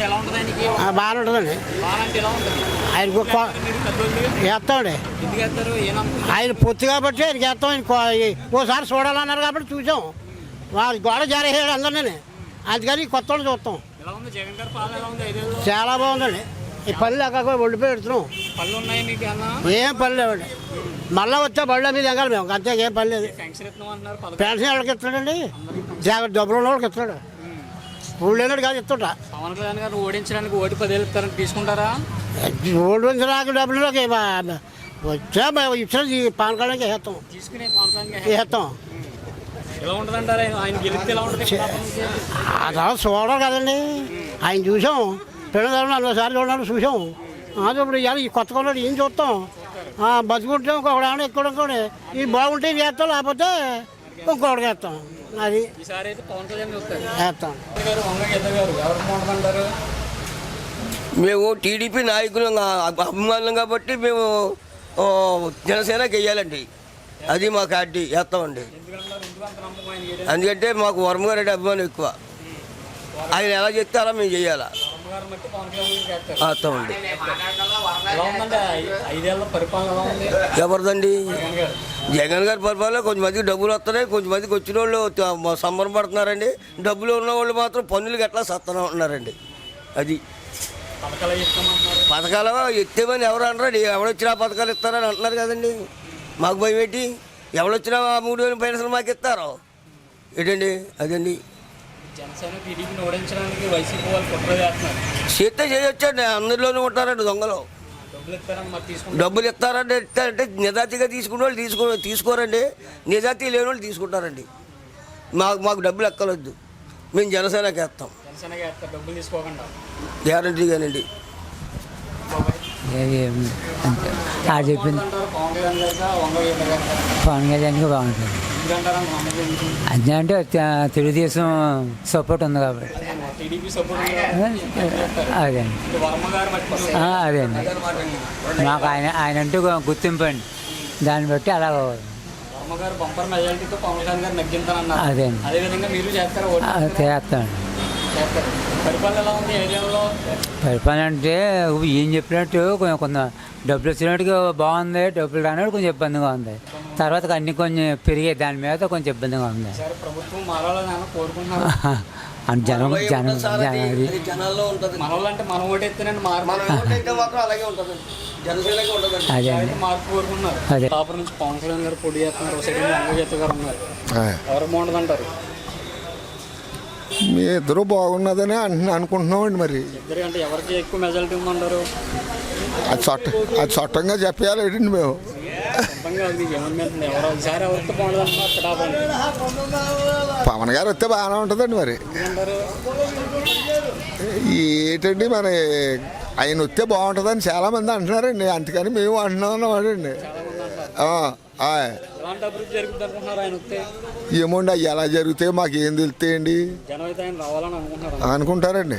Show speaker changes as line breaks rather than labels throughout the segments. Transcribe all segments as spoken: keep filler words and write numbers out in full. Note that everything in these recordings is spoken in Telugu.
బాగానే ఉంటుందండి. ఆయనకు వేస్తామండి. ఆయన పొత్తు కాబట్టి ఆయనకి వేస్తాం. ఆయన ఓసారి చూడాలన్నారు కాబట్టి చూసాం. వాళ్ళ గోడ జారేసాడు అందరినీ, అందుకని కొత్త వాళ్ళు చూస్తాం. చాలా బాగుందండి. ఈ పళ్ళు అక్కడ ఒడిపోయి పెడుతున్నాం. ఏం పళ్ళు లేవండి. మళ్ళీ వచ్చే బళ్ళ మీద ఎగాలి మేము, అంతే. ఏం పని లేదు. పెన్షన్ ఎవరికి ఇస్తాడండి? జాగ్రత్త డబ్బులు ఉన్న వాళ్ళకి ఇస్తాడు. ఊళ్ళు లేనాడు కాదు ఇస్తుంటా.
పవన్ కళ్యాణ్ గారు ఓడించడానికి ఓటు పదేళ్ళు ఇస్తారని తీసుకుంటారా?
ఓడించడానికి డబ్బులకి వచ్చా ఇచ్చిన పవన్ కళ్యాణ్కి వేస్తాం. వేస్తాం. అలా చూడడం కదండి. ఆయన చూసాం. పిల్లలు నలభై సార్లు చూడాలని చూసాం. అది ఇప్పుడు ఇవాళ ఈ కొత్త కొన్నాడు ఏం చూస్తాం. బతుకుంటే ఇంకొకటి ఏమైనా ఎక్కువ ఇంకోటి ఇది బాగుంటే వేస్తాం, లేకపోతే ఇంకొకటి వేస్తాం. అది వేస్తాం.
మేము టీడీపీ నాయకులు అభిమానులు కాబట్టి మేము జనసేనకి వెయ్యాలండి. అది మా పార్టీ వేస్తామండి. ఎందుకంటే మాకు వర్మగారెడ్డి అభిమానం ఎక్కువ. ఆయన ఎలా చెప్తే అలా మేము చెయ్యాలా. వేస్తామండి. ఎవరిదండి? జగన్ గారి పరిపాలన కొంచెం మందికి డబ్బులు వస్తున్నాయి, కొంచెం మందికి వచ్చిన వాళ్ళు సంబరం పడుతున్నారండి. డబ్బులు ఉన్న వాళ్ళు మాత్రం పన్నులకి ఎట్లా సత్తనే ఉంటున్నారండి. అది పథకాలు ఎత్తేమని ఎవరు అంటారు? ఎవడొచ్చినా పథకాలు ఇస్తారని అంటున్నారు కదండి. మాకు భయం ఏంటి? ఎవడొచ్చినా మూడు వేలు పెన్షన్ మాకు ఇస్తారో ఏంటండి? అదండి. చేస్తే చేయొచ్చండి. అందరిలోనూ ఉంటారండి దొంగలు. డబ్బులు ఇస్తారంటే ఇస్తారంటే నిజాతీగా తీసుకునే వాళ్ళు తీసుకో తీసుకోరండి. నిజాతీ లేని వాళ్ళు తీసుకుంటారండి. మాకు మాకు డబ్బులు ఎక్కలొద్దు. మేము జనసేనకి వేస్తాం గ్యారంటీగానండి.
చెప్పింది పవన్ కళ్యాణ్కి బాగుంటుంది. అదే అంటే తెలుగుదేశం సపోర్ట్ ఉంది కాబట్టి అదే అదే అండి. మాకు ఆయన ఆయన అంటూ గుర్తింపు అండి. దాన్ని బట్టి అలా అదే చేస్తామండి. పరిపాలన అంటే ఏం చెప్పినట్టు కొంచెం కొంత డబ్బులు వచ్చినట్టుగా బాగుంది, డబ్బులు రానట్టు కొంచెం ఇబ్బందిగా ఉంది. తర్వాత అన్ని కొంచెం పెరిగే దాని మీద కొంచెం ఇబ్బందిగా ఉంది. జనం జనం అదే అదే
పవన్ కళ్యాణ్ గారు పోటీ చేస్తున్నారు. ఎవరు బాగుంటుందంటారు?
మీ ఇద్దరు బాగున్నదని అంటున్నా అనుకుంటున్నామండి. మరి
అంటే ఎవరికి ఎక్కువ మెజారిటీ ఉందంటారు?
అది చట్ట అది చట్టంగా చెప్పాలి ఏంటండి మేము. పవన్ గారు వస్తే బాగానే ఉంటుందండి. మరి ఏంటండి మరి ఆయన వస్తే బాగుంటుందని చాలామంది అంటున్నారండి. అందుకని మేము అంటున్నామండి. ఏమోండి అవి ఎలా జరుగుతాయో మాకు ఏం తెలుస్తాయండి అనుకుంటారండి.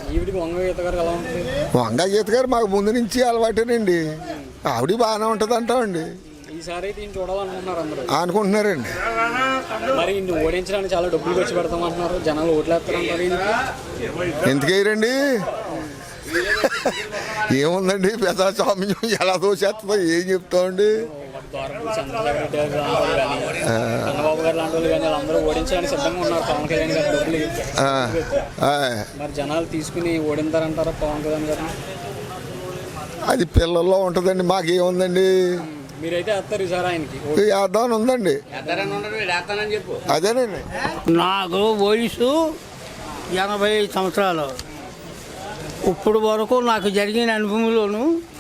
వంగ గీత గారు మాకు ముందు నుంచి అలవాటేనండి. ఆవిడ బాగానే ఉంటుంది అంటామండి. అనుకుంటున్నారండి. ఎందుకేరండి? ఏముందండి పెద్ద స్వామ్యం ఎలా దోచేస్తుందో ఏం చెప్తామండి.
చంద్రబాబు గారు లాంటి వాళ్ళు కానీ అందరూ ఓడించడానికి సిద్ధంగా ఉన్నారు పవన్ కళ్యాణ్ గారు. మరి జనాలు తీసుకుని ఓడింతారంటారా పవన్ కళ్యాణ్ గారు?
అది పిల్లల్లో ఉంటుందండి. మాకేముందండి?
మీరైతే వేస్తారు ఈసారి ఆయనకి
వేద్దామని ఉందండి. అదేనండి.
నాకు వయసు ఎనభై సంవత్సరాలు. ఇప్పుడు వరకు నాకు జరిగిన అనుభవంలోను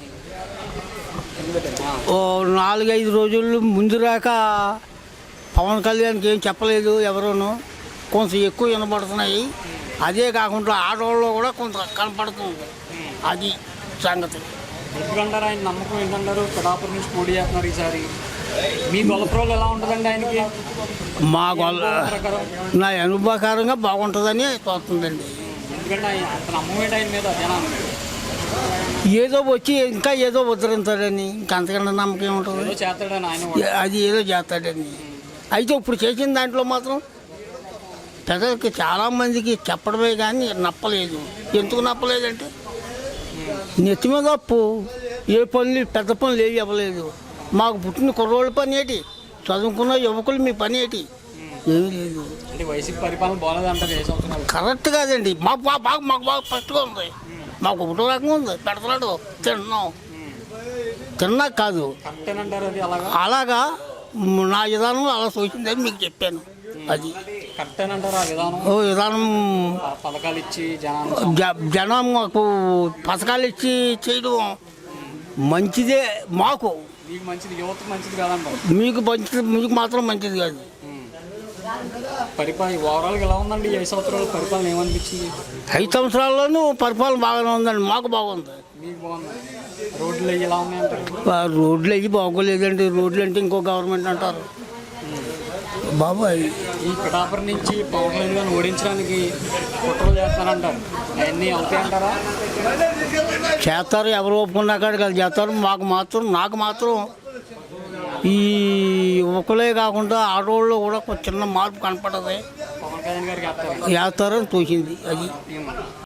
ఓ నాలుగైదు రోజులు ముందు రాక పవన్ కళ్యాణ్కి ఏం చెప్పలేదు ఎవరును. కొంచెం ఎక్కువ వినపడుతున్నాయి. అదే కాకుండా ఆడవాళ్ళు కూడా కొంత కనపడుతుంది. అది సంగతి.
ఎందుకంటారు ఆయన నమ్మకం ఏంటంటారు? పిఠాపురం నుంచి పోటీ చేస్తున్నారు ఈసారి. మీ గొల్లప్రోలు ఎలా ఉంటుందండి ఆయనకి?
మా గొల్ల నా అనుభవకారంగా బాగుంటుందని తోస్తుందండి.
ఎందుకంటే ఆయన నమ్మకం ఏంటి ఆయన మీద జనాలు?
ఏదో వచ్చి ఇంకా ఏదో ఉద్ధరించాడని, ఇంకా అంతకన్నా నమ్మకం ఏముంటుంది?
చేస్తాడని ఆయన
అది ఏదో చేస్తాడని. అయితే ఇప్పుడు చేసిన దాంట్లో మాత్రం ప్రజలకి చాలామందికి చెప్పడమే కానీ నప్పలేదు. ఎందుకు నప్పలేదంటే నెత్తి మీద అప్పు, ఏ పనులు పెద్ద పనులు ఏవి ఇవ్వలేదు. మాకు పుట్టిన కుర్రోళ్ళ పని ఏంటి, చదువుకున్న యువకులు మీ పని ఏంటి, ఏమీ లేదు.
అంటే వైసీపీ పరిపాలన బాగాలేదంటారు ఏ సంవత్సరాలు?
కరెక్ట్ కాదండి. మాకు బాగా బాగా మాకు బాగా ఫస్ట్గా ఉంది. మాకు ఒకటో రకంగా ఉంది, పెడతాడు తిన్నాం, తిన్నా కాదు.
కరెక్టేనంటారు అది అలాగా?
అలాగా నా విధానం అలా సూచిందని మీకు చెప్పాను. అది
కరెక్టేనంటారు ఆ విధానం?
ఓ విధానం
ప- పథకాలు ఇచ్చి జనాన్ని
జ- జనం మాకు పథకాలు ఇచ్చి చేయడం మంచిదే. మాకు
మీకు మంచిది, యువతకు మంచిది కాదంటారు.
మీకు మంచిది, మీకు మాత్రం మంచిది కాదు.
పరిపాలన ఓవరాల్గా ఎలా ఉందండి ఈ ఐదు సంవత్సరాల పరిపాలన ఏమనిపించింది?
ఐదు సంవత్సరాల్లోనూ పరిపాలన బాగానే ఉందండి. మాకు బాగుంది.
మీకు బాగుంది. రోడ్లు అవి ఎలా ఉన్నాయంటారు?
ఆ రోడ్లు అవి బాగోలేదండి. రోడ్లు అంటే ఇంకో గవర్నమెంట్ అంటారు బాబాయ్.
ఈ పిఠాపురం నుంచి పవన్ కళ్యాణ్ గారిని ఓడించడానికి కుట్రలు చేస్తారంటారు, అవన్నీ అవుతాయంటారా?
చేస్తారు, ఎవరు ఒప్పుకున్నా కాదు కదా చేస్తారు. మాకు మాత్రం నాకు మాత్రం ఈ యువకులే కాకుండా ఆడవాళ్ళు కూడా ఒక చిన్న మార్పు కనపడదు.
పవన్ కళ్యాణ్ గారికి వేస్తారు.
వేస్తారని తోచింది. అది
ఏమో.